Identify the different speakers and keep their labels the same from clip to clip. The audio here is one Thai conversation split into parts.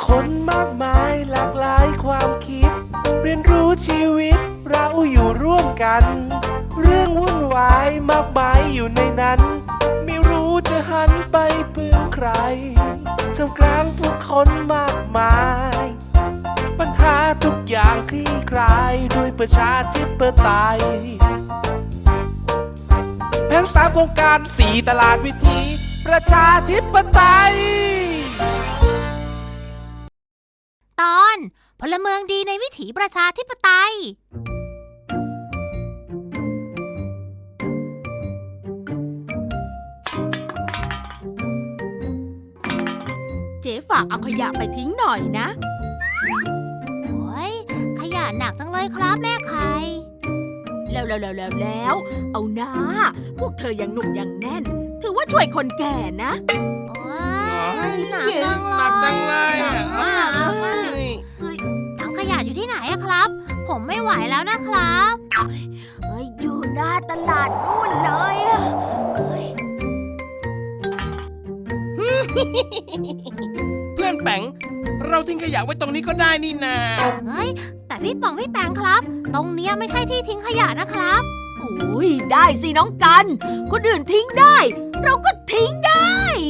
Speaker 1: คนมากมายหลากหลายความคิดเรียนรู้ชีวิตเราอยู่ร่วมกันเรื่องวุ่นวายมากมายอยู่ในนั้นไม่รู้จะหันไปพึ่งใครท่ามกลางผู้คนมากมายปัญหาทุกอย่างคลี่คลายด้วยประชาธิปไตยแผน3โครงการ4ตลาดวิถีประชาธิปไตย
Speaker 2: ตอนพลเมืองดีในวิถีประชาธิปไตย
Speaker 3: เจ๊ฝากเอาขยะไปทิ้งหน่อยนะ
Speaker 2: โอ้ยขยะหนักจังเลยครับแม่ไข่
Speaker 3: แล้วเอาหน้าพวกเธอยังหนุ่มยังแน่นถือว่าช่วยคนแก่นะ
Speaker 2: โอ้ยหนักจังเลยหนักมากถังขยะอยู่ที่ไหนอะครับผมไม่ไหวแล้วนะครับ
Speaker 3: อยู่หน้าตลาดนู่นเลย
Speaker 4: เพื่อนแป๋งเราทิ้งขยะไว้ตรงนี้ก็ได้นี่นา
Speaker 2: เฮ้ยแต่พี่ป๋องพี่แปงครับตรงเนี้ยไม่ใช่ที่ทิ้งขยะนะครับ
Speaker 3: โอ้ยได้สิน้องกันคนอื่นทิ้งได้เราก็ทิ้งได้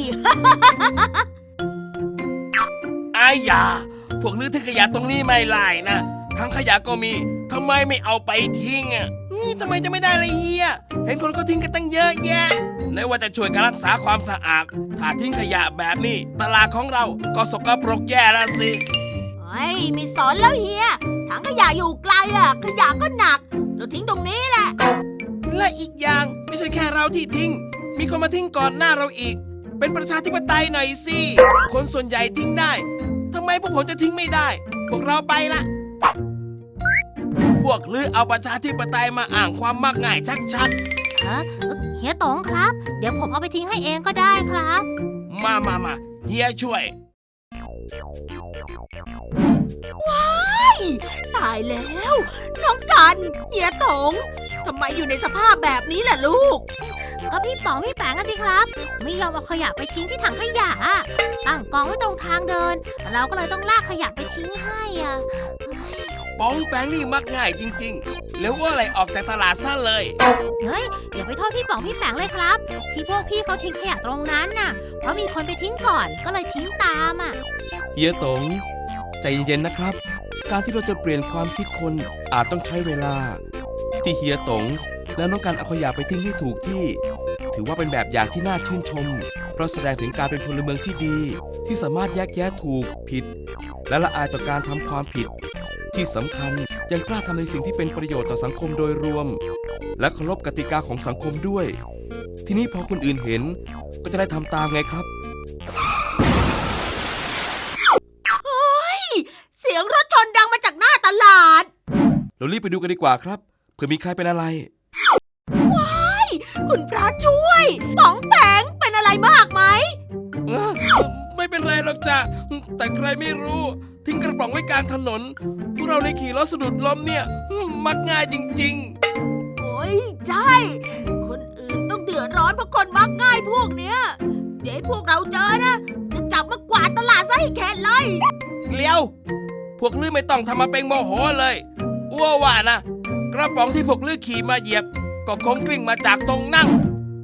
Speaker 4: อายาพวกลื้อทิ้งขยะตรงนี้ไม่ไล่นะทั้งขยะก็มีทำไมไม่เอาไปทิ้งอ่ะทำไมจะไม่ได้เลยเฮียเห็นคนก็ทิ้งกันตั้งเยอะแยะไหนว่าจะช่วยการรักษาความสะอาดถ้าทิ้งขยะแบบนี้ตลาดของเราก็สกปรกแย่แล้วสิ
Speaker 3: มีสอนแล้วเฮียถังขยะอยู่ไกลอ่ะขยะก็หนักเราทิ้งตรงนี้แหละ
Speaker 4: และอีกอย่างไม่ใช่แค่เราที่ทิ้งมีคนมาทิ้งก่อนหน้าเราอีกเป็นประชาธิปไตยหน่อยสิคนส่วนใหญ่ทิ้งได้ทำไมพวกผมจะทิ้งไม่ได้พวกเราไปละพวกลือเอาประชาธิปไตยมาอ้างความมักง่ายชัด
Speaker 2: เฮียต๋องครับเดี๋ยวผมเอาไปทิ้งให้เองก็ได้ครับ
Speaker 4: มาเฮียช่วย
Speaker 3: ว้ายตายแล้วน้องกันเฮียต๋องทำไมอยู่ในสภาพแบบนี้ล่ะลูก
Speaker 2: ก็พี่ป๋องพี่แปงกันสิครับไม่ยอมเอาขยะไปทิ้งที่ถังขยะตั้งกองไว้ตรงทางเดินเราก็เลยต้องลากขยะไปทิ้งให้
Speaker 4: ป๋องแปงนี่มักง่ายจริงๆแล้วว่าอะไรออกจากตลาดซะเลย
Speaker 2: เฮ้ยอย่าไปโทษพี่ป๋องพี่แปงเลยครับที่พวกพี่เขาทิ้งขยะตรงนั้นน่ะเพราะมีคนไปทิ้งก่อนก็เลยทิ้งตาม
Speaker 5: เฮียต๋องใจเย็นๆนะครับการที่เราจะเปลี่ยนความคิดคนอาจต้องใช้เวลาที่เฮียต๋องและน้องกันเอาขยะไปทิ้งให้ถูกที่ถือว่าเป็นแบบอย่างที่น่าชื่นชมเพราะแสดงถึงการเป็นพลเมืองที่ดีที่สามารถแยกแยะถูกผิดและละอายต่อการทำความผิดที่สำคัญยังกล้าทำในสิ่งที่เป็นประโยชน์ต่อสังคมโดยรวมและเคารพกติกาของสังคมด้วยทีนี้พอคนอื่นเห็นก็จะได้ทำตามไงครับ
Speaker 3: เสียงรถชนดังมาจากหน้าตลาด
Speaker 5: เรารีบไปดูกันดีกว่าครับเผื่อมีใครเป็นอะไร
Speaker 3: ว้ายคุณพระช่วยป๋องแปงเป็นอะไรมากไหม
Speaker 4: ไม่เป็นไรหรอกจ้ะแต่ใครไม่รู้ทิ้งกระป๋องไว้กลางถนนพวกเราในขี่รถสะดุดล้มเนี่ยมักง่ายจริง
Speaker 3: ๆโอ้ยใช่คนอื่นต้องเดือดร้อนเพราะคนมักง่ายพวกเนี้ยเดี๋ยวพวกเราเจอนะจะจับมากวาดตลาดซะให้แข็งเลย
Speaker 4: เลี้ยวพวกลือไม่ต้องทำมาเป็นโมโหเลยอ้วว่านะกระป๋องที่พวกลือขี่มาเหยียบก็คงกลิ้งมาจากตรงนั่ง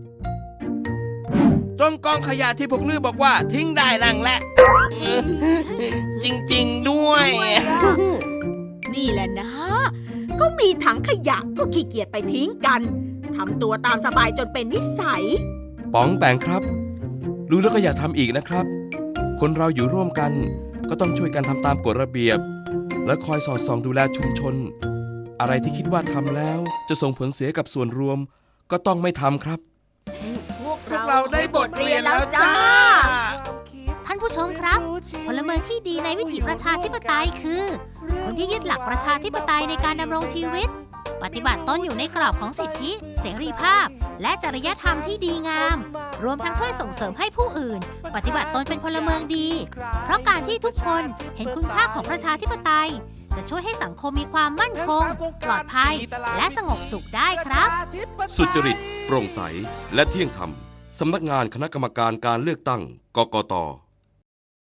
Speaker 4: ตรงกองขยะที่พวกลือบอกว่าทิ้งได้นั่งแหละจริงๆด้วย
Speaker 3: นี่แหละนะก็มีถังขยะก็ขี้เกียจไปทิ้งกันทำตัวตามสบายจนเป็นนิสัย
Speaker 5: ป๋องแปงครับรู้แล้วก็อย่าทำอีกนะครับคนเราอยู่ร่วมกันก็ต้องช่วยกันทำตามกฎระเบียบและคอยสอดส่องดูแลชุมชนอะไรที่คิดว่าทำแล้วจะส่งผลเสียกับส่วนรวมก็ต้องไม่ทำครับ
Speaker 4: พวกเราได้บทเรียนแล้วจ้า
Speaker 2: ท่านผู้ชมครับพลเมืองที่ดีในวิถีประชาธิปไตยคือคนที่ยึดหลักประชาธิปไตยในการดำรงชีวิตปฏิบัติตนอยู่ในกรอบของสิทธิเสรีภาพและจริยธรรมที่ดีงามรวมทั้งช่วยส่งเสริมให้ผู้อื่นปฏิบัติตนเป็นพลเมืองดีเพราะการที่ทุกคนเห็นคุณค่าของประชาธิปไตยจะช่วยให้สังคมมีความมั่นคงปลอดภัยและสงบสุขได้ครับ
Speaker 5: สุจริตโปร่งใสและเที่ยงธรรมสำนักงานคณะกรรมการการเลือกตั้งกกต